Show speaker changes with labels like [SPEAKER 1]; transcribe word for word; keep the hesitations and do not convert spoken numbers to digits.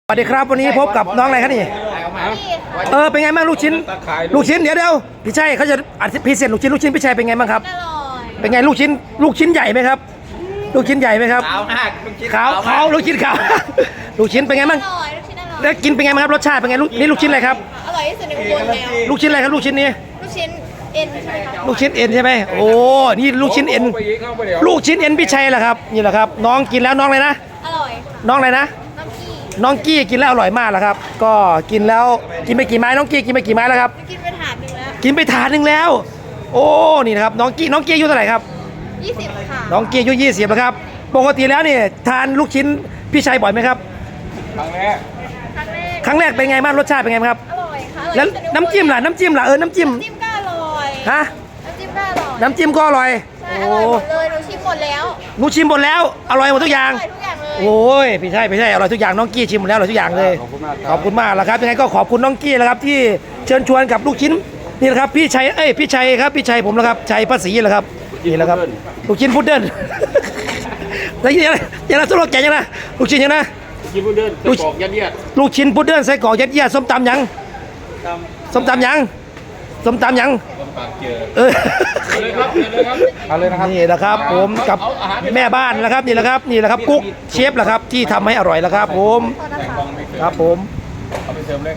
[SPEAKER 1] สวัสดีครับวันนี้พบกับน้องอะไรครับนี่เออเป็นไงบ้างลูกชิ้นลูกชิ้นเดี๋ยวเดี๋ยวพี่ชัยเขาจะอัดพิเศษลูกชิ้นลูกชิ้นพี่ชัยเป็นไงบ้างครับ
[SPEAKER 2] อร่อย
[SPEAKER 1] เป็นไงลูกชิ้นลูกชิ้นใหญ่ไหมครับลูกชิ้นใหญ่ไหมครับ
[SPEAKER 3] ขาวมากลูกชิ้น
[SPEAKER 1] ขาวขาวลูกชิ้นขาวลูกชิ้นเป็นไงบ้าง
[SPEAKER 2] อร่อยลูกชิ้นอร่อย
[SPEAKER 1] แล้วกินเป็นไงบ้างครับรสชาติเป็นไงลูกนี่ลูกชิ้นอะไรครับ
[SPEAKER 2] อร่อยที่สุดในอุบลแล้ว
[SPEAKER 1] ลูกชิ้นอะไรครับลูกชิ้นนี้
[SPEAKER 2] ลูกชิ้นเอ็นใช่ไหมครับ
[SPEAKER 1] ลูกชิ้นเอ็นใช่ไหมโอ้นี่ลูกชิ้นเอ็นลูกชิ้นเอ็นพี่ชัยแหละครับนี่แหละครับน้องกินแล้วน้องเลยนะ
[SPEAKER 2] อร่อยค่ะ
[SPEAKER 1] น้องอะไรนะ
[SPEAKER 2] น้ำกี้
[SPEAKER 1] น้องกี้กินแล้วอร่อยมากแล้วครับก็กินแล้วกินไปกี่ไม้น้องกี้กินไปกี่ไม้แล้วครับ
[SPEAKER 2] กินไปถาดหนึ่งแล้ว
[SPEAKER 1] กินไปถาดหนึ่งแล้ว โอ้นี่นะครับน้องกี้น้องกี้อายุเท่าไหร่ครับ
[SPEAKER 2] ยี่สิบค่ะ
[SPEAKER 1] น้องกี้อายุยี่สิบแล้วครับปกติแล้วนี่ทานลูกชิ้นพี่ชัยบ่อยไหมครับ
[SPEAKER 3] ครั้งแรก
[SPEAKER 2] ครั้งแรก
[SPEAKER 1] ครั้งแรกเป็นไงบ้างรสชาติเป็นไงบ้างครับ
[SPEAKER 2] อร่อยค่ะอร่อย
[SPEAKER 1] แล้ว
[SPEAKER 2] ที่สุดใอุบ
[SPEAKER 1] น้ำจิ้มล่ะน้ำจิ้มล่ะเออน้ำจิ้ม
[SPEAKER 2] น้ำจิ้มก็อร่อย
[SPEAKER 1] ฮะ
[SPEAKER 2] น้ำจิ้มก็อร่อย
[SPEAKER 1] น้ำจิ้มก็อร่อย
[SPEAKER 2] ใช่
[SPEAKER 1] โอ้
[SPEAKER 2] อร่อยหมดเลยหนูชิมหมดแล้ว
[SPEAKER 1] หนูชิมหมดแล้วอร่อยหมดทุกอย่าง
[SPEAKER 2] อร่อยทุกอย่างเลย
[SPEAKER 1] โอ้ยพี่ชัยพี่ชัยอร่อยทุกอย่างน้องกี้ชิมหมดแล้วอร่อยทุกอย่างเลย
[SPEAKER 3] ขอบคุณมาก
[SPEAKER 1] ขอบคุณมากแล้วครับยังไงก็ขอบคุณน้องกี้แล้วครับที่เชิญชวนกับลูกชิ้นนี่แหละครับพี่ชัยเอ้ยพี่ชัยครับพี่ชัยผมแล้วครับชัยภาษีแหละครับนี่แหละครับลูกชิ้นพุดเดิ้ล แล้วยังไงยังไงสโลแกนยังไงลูกชิ้นยังไง
[SPEAKER 3] กินพุดเดิ้ล
[SPEAKER 1] ลูก
[SPEAKER 3] กรอกยัดเยียด
[SPEAKER 1] ลูกชิ้นพุดเดิ้ลไส้กรอกยัดเยียดส้มตำยังส้มตำยังส้มตำยัง
[SPEAKER 3] ต้มปากเจอ
[SPEAKER 1] เออ
[SPEAKER 3] เลยครับเลยครับเอาเลยนะครับ
[SPEAKER 1] นี่แหละครับผมกับแม่บ้านนะครับนี่แหละครับนี่แหละครับกุ๊กเชฟแหละครับที่ทำให้อร่อยแล้วครับผม
[SPEAKER 2] โทษนะคะ
[SPEAKER 1] ครับผม
[SPEAKER 3] เอาไปเสริมเลย